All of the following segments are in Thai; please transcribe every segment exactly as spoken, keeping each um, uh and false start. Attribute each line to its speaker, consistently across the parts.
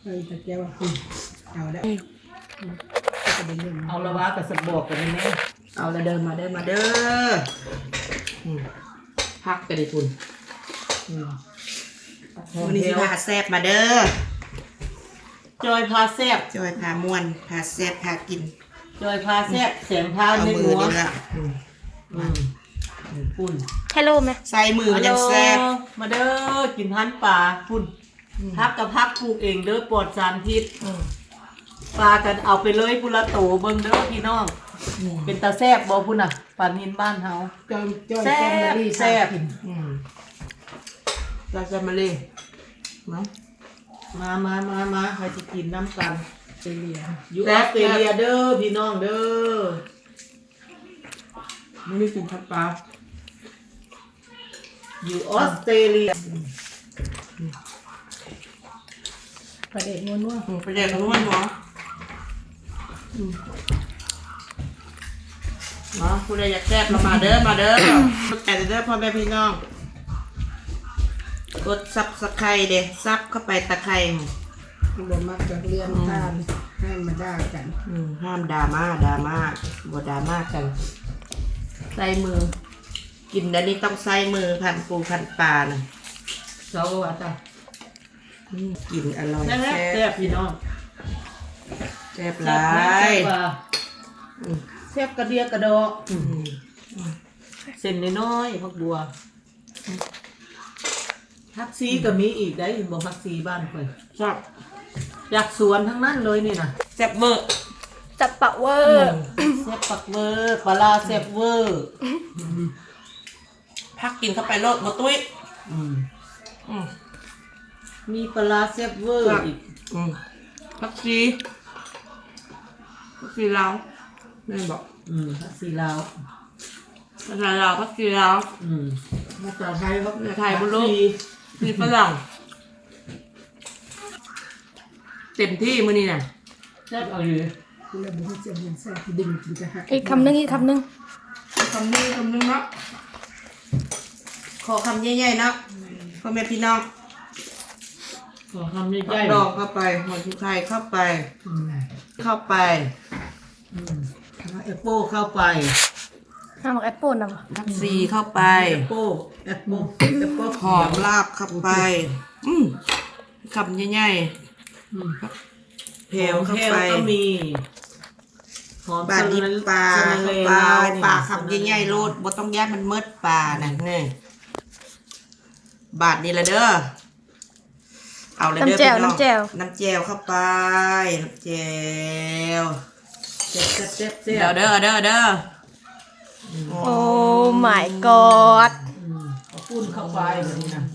Speaker 1: ออตะแกว่าเอาได้
Speaker 2: เอาละวะกับสบอกกันนี่แม่เอาละเดินมาเดินมาเด้อพักกันดิคุณวันนี้สิพาแซบมาเด้อจอยพาแซบ
Speaker 3: จอยพาม่วนพาแซบพากิน
Speaker 2: จอยพาแซบเสียงพา
Speaker 3: เอา
Speaker 2: ใน
Speaker 3: มื
Speaker 2: หั
Speaker 3: อ
Speaker 2: ว
Speaker 3: นี่ละ
Speaker 2: ปุ่น
Speaker 3: ฮัลโหลไหมใส่มือยังแซบ
Speaker 2: มาเด้อกินทันปลาปุ่นพักกับพักปลูกเองเด้อปลอดสารพิษปลากันเอาไปเลยพุละโตเบิ่งเด้อพี่น้องเป็นตาแซบบ่พุ่นน่ะปลานินบ้านเฮา
Speaker 1: จอยจอย
Speaker 2: แซ่บแซ่บ
Speaker 3: เราจะมาเลย
Speaker 2: มามามามามาใครจะกินน้ำกัน
Speaker 1: เลีย
Speaker 2: อยู่ออสเตรเลียเด้อพี่น้องเด้อ
Speaker 3: ไม่ได้กินทับปลา
Speaker 2: อยู่ออสเตรเลีย
Speaker 1: ประเด็นนัวนัว
Speaker 3: ประเดี๋ยวเขาล้วนหัวเนาะผู้ใดอยากแซ่บเรามาเด้อมาเด้อแต่เด้อพ่อแม่พี่น้องกดซับสไครเด้ซับเข้าไปตะไคร้
Speaker 1: รวมมากจากเรียนทานให้มาด่ากัน
Speaker 3: ห้ามดราม่าดราม่าบ่ดราม่ากันใส่มือกินอันนี้ต้องใส่มือพันปูพันปลานะ
Speaker 2: เจ้าว่าจ้ะ
Speaker 3: กินอร่อย
Speaker 2: แซ่บแซ่บพี่น้อง
Speaker 3: แซ่บหลาย
Speaker 2: แซ่บกระเดียกระดอกเส้นน้อยๆพักบัวพักซีก็มีอีกได้บอกพักซีบ้านเพิ่น
Speaker 3: ชอบ
Speaker 2: อยากสวนทั้งนั้นเลยนี่นะ
Speaker 3: แซ่บเวอร์
Speaker 4: จับปะเวอร์
Speaker 2: แซ่บปักเวอร์ปลาแซ่บเวอร์
Speaker 3: พักกินเข้าไปโลดบ่ตุ้ย
Speaker 2: มีปลาแซ่บเวอร์อีก
Speaker 3: พักซีพักซีลาวแม่บอก
Speaker 2: อืมพักซีลาว
Speaker 3: ภาษาลาวพักซีลาว
Speaker 2: อืมภาษาไทยพัก
Speaker 3: ภาษาไทยบ่รู้มีฝรั่งเต็มที่มื้อนี้น่ะ
Speaker 2: แซ่บเอาอยู่
Speaker 1: คุณเลยบอกว่าจะมันแซ่บดึงกินจะหัก
Speaker 4: อีกคำนึงอีกคำนึง
Speaker 3: คำนี้คำนึงเนาะขอคำใหญ่ๆเนาะพ่อแม่พี่น้อง
Speaker 2: ขอคำใหญ่
Speaker 3: ดอกเข้าไปหัวชุไทยเข้าไปเข้าไป
Speaker 2: แอปเปิลเข้าไป
Speaker 4: ห้ามบอกแอปเปิลนะบ่
Speaker 3: พักซีเข้าไป
Speaker 2: แอปเปิลแอปเปิลแอปเปิล
Speaker 3: หอมลาบเข้าไปอืมคำใหญ่ๆเพลวเข้าไป
Speaker 2: ก็มีหอม
Speaker 3: ปลาดิบปลาเข้าไปปลาคำใหญ่ๆโลดบ่ต้องแยกมันเมิดปลาน่ะนี่บาทนี่ละเด้อเอาเลยเด้อพี่น้องน้ำแจ่วน้ำแจ่วเข้าไปน้ำแจ่ว
Speaker 2: เจ็บเจ็บเจ็บเจ็
Speaker 3: เด้อบ เด้อเด้อเด้อ
Speaker 4: โอ้ my god
Speaker 2: เอาปุ้นเข้าไปแบบนี้นะ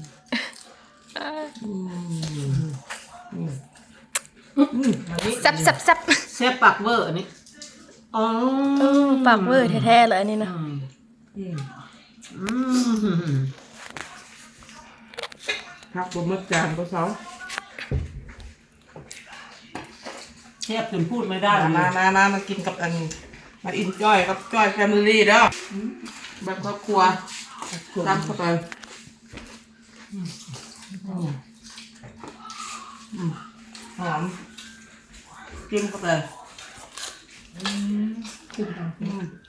Speaker 4: ซับซับซับ
Speaker 2: แซ่บปักเวอร์อันนี้อ๋อ
Speaker 4: เออปากเวอร์แท้ๆเลยอันนี้นะ
Speaker 2: อืม
Speaker 3: พักบนมัดจานก็เสา
Speaker 2: แซ่บจนพูดไม่ได้เลย
Speaker 3: มามามามากินกับอันมาอินจ้อยกับจ้อยแฟมิลี่เด้อแบบครอบครัวตามเข้าไปหอมจิ้มเข้าไป
Speaker 1: ขึ้นทางขึ้น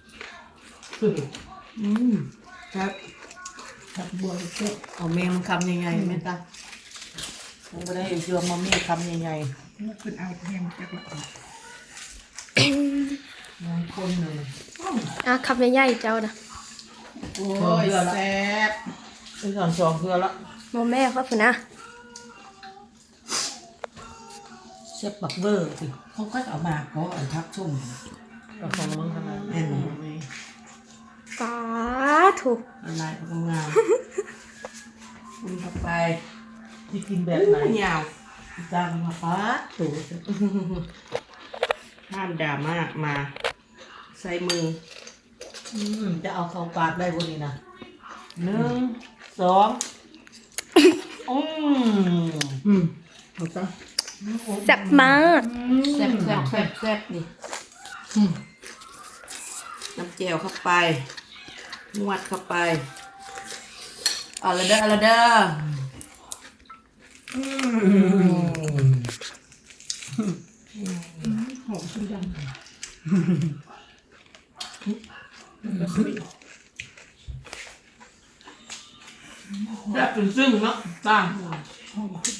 Speaker 3: อืมครับ
Speaker 1: ทับบัวเจ็บ
Speaker 2: เอาเมมคำใหญ่ๆแม่ตาผมไม่ได้เชื่อมาเมคำใหญ่
Speaker 1: แล้วคุณเอาแห้งจากละออก
Speaker 2: ๆมองคนเลย
Speaker 4: อ่ะคำใหญ่ๆเจ้านะ
Speaker 2: โอ้ยแซ่บไอ้สอนสองเพื่อละ
Speaker 4: โมแม่ครับฝุ่นนะ
Speaker 2: แซ่บปักเวอร์สิ
Speaker 3: เขาก็เอามาเขาเอาทักชุ่ม
Speaker 2: กระของมึงขนาด
Speaker 3: แน่นอน
Speaker 4: ป้าถูก
Speaker 3: ลายเขาทำงานคุณเข้าไป
Speaker 2: ที่กินแบบไหน
Speaker 3: ยาว
Speaker 2: จังมาป้าถูก
Speaker 3: ห้ามด่ามากมาใส่มือ
Speaker 2: อืมจะเอาเข้าปากได้บนนี้นะหนึ่งสองอืม
Speaker 1: อืมถูกต้อง
Speaker 4: แซ่บมาก
Speaker 3: แซ่บแซ่บแซ่บแซ่บนี่น้ำเจลเข้าไปนวดเข้าไปเอาละเด้อเอาละเด้อ
Speaker 1: หอมขึ้นดัง
Speaker 2: แบบซึ้งๆเนาะต่าง